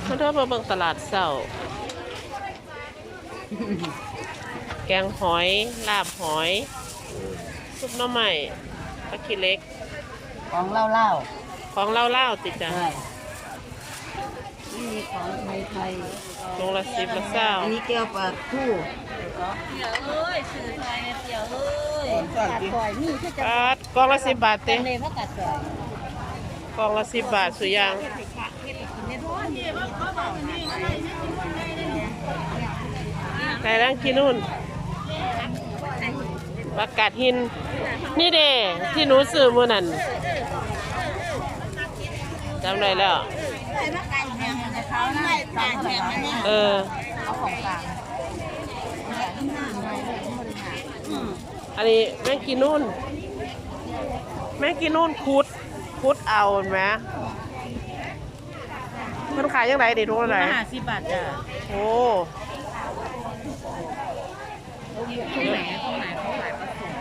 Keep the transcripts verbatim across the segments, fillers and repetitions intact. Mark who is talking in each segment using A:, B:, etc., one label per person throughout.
A: มาเดินมาเบิ่งตลาดเช้าแกงหอยลาบหอยซุปหน่อไม้ปลาขี้เล็ก
B: ของเล่าเล่า
A: ของเล่าๆติดจ้ะ
B: ใช่นี่มีของไทยไทย
A: ลงละสิบละเศร้า
B: อันนี้แก้วปลาทู่
C: เดี๋ยวเอ้ยสื่อไทยเดี๋ยวเอ้ย
B: กัดก่อยนี่คือจะ
A: บาทกล่องละสิบบาทเต็ม
B: เลยเพราะกัดก่อย
A: กล่องละสิบบาทสุดยางไก่ร่างกินนู่นประกาศหิน นี่เด้ที่หนูซื้อมื่อนั้นจำได้แล้ว
B: เขาได้ปลาแข็งนี่
A: เออ
B: เอาของกลาง
A: อันนี้แม่งกินนู่น แม่งกินนู่นคุดคุดเอาเห็นไหมมันขายยังไงเด็ดทุกอะไร
B: ห้าสิบบาทจ้ะ
A: โอ้
B: ตรงไหนตรงไหนเขาขาย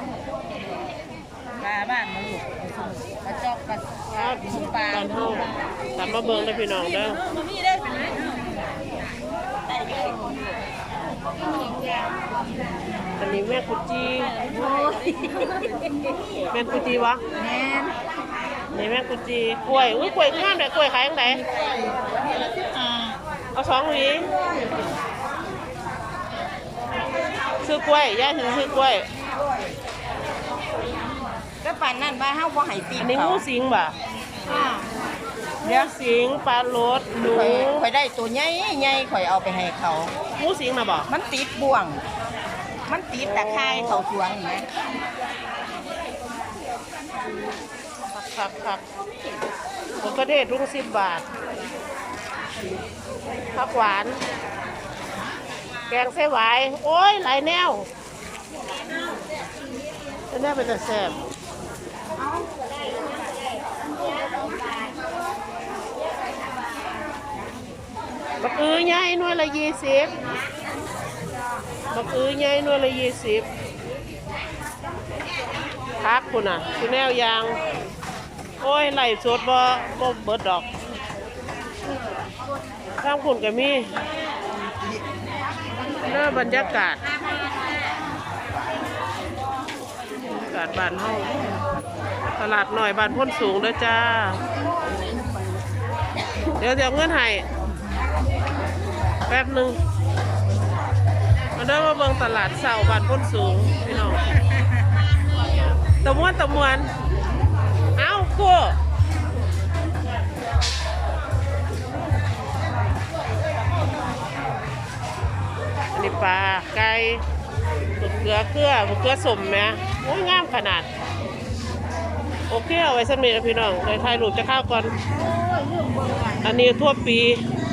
B: ปลาส้มปลาบ้านมาลูกปลาจอกปลาปลาปลา
A: ตอนเท่าตามมาเบิ้งได้พี่น้องเด้อ
B: มันมีได้เป็น
A: อันนี้แม่กุจีแม่กุจีวะ
B: แม่น
A: นี่แม่กุจีกล้วยอุ้ยกล้วยงามเลยกล้วยขายยังไงเอาสองหวีซื้อกล้วยย่าถึงซื้อกล้วย
B: ก็ปั่นนั่นบ้าเฮาบ่ให้ตี
A: อันนี้หมูสิงบ่ะ
B: เดี๋ยว
A: สิงปลาโรดหนู
B: ข่อยข่อยได้ตัวใหญ่ใหญ่ข่อยเอาไปให้เขา
A: หมูสิงนะบ่
B: มันติดบ่วง มันติดตะไคร้เขาสวงนี่
A: ครับครับผมก็เทศรุ่งสิบบาทผักหวาน แกงไส้หวายโอ้ยหลายแนวจะแน่เป็นแต่แซ่บบักอื้อใหญ่หน่วยละยี่สิบบักอื้อใหญ่หน่วยละยี่สิบพักคุณอ่ะคือแนวยาง โอ้ยไหลสดบ่บ่เบิดดอกข้างคุณก็มีเน้อบรรยากาศอากาศบ้านเฮาตลาดหน่อยบ้านพ้นสูงเด้อจ้า เดี๋ยวเดี๋ยวเงินให้แป๊บหนึ่งมาเดินมาเบิ่งตลาดเสาบ้านพ้นสูงพี่น้องตะมวนตะมวนเอ้ากูอันนี้ปลาไก่มะเขือเกลือมะเขือสมไหมโอ้ยงามขนาดโอเคเอาไว้สำเร็จแล้วพี่น้องเลยถ่ายรูปจะเข้าก่อนอันนี้ทั่วปี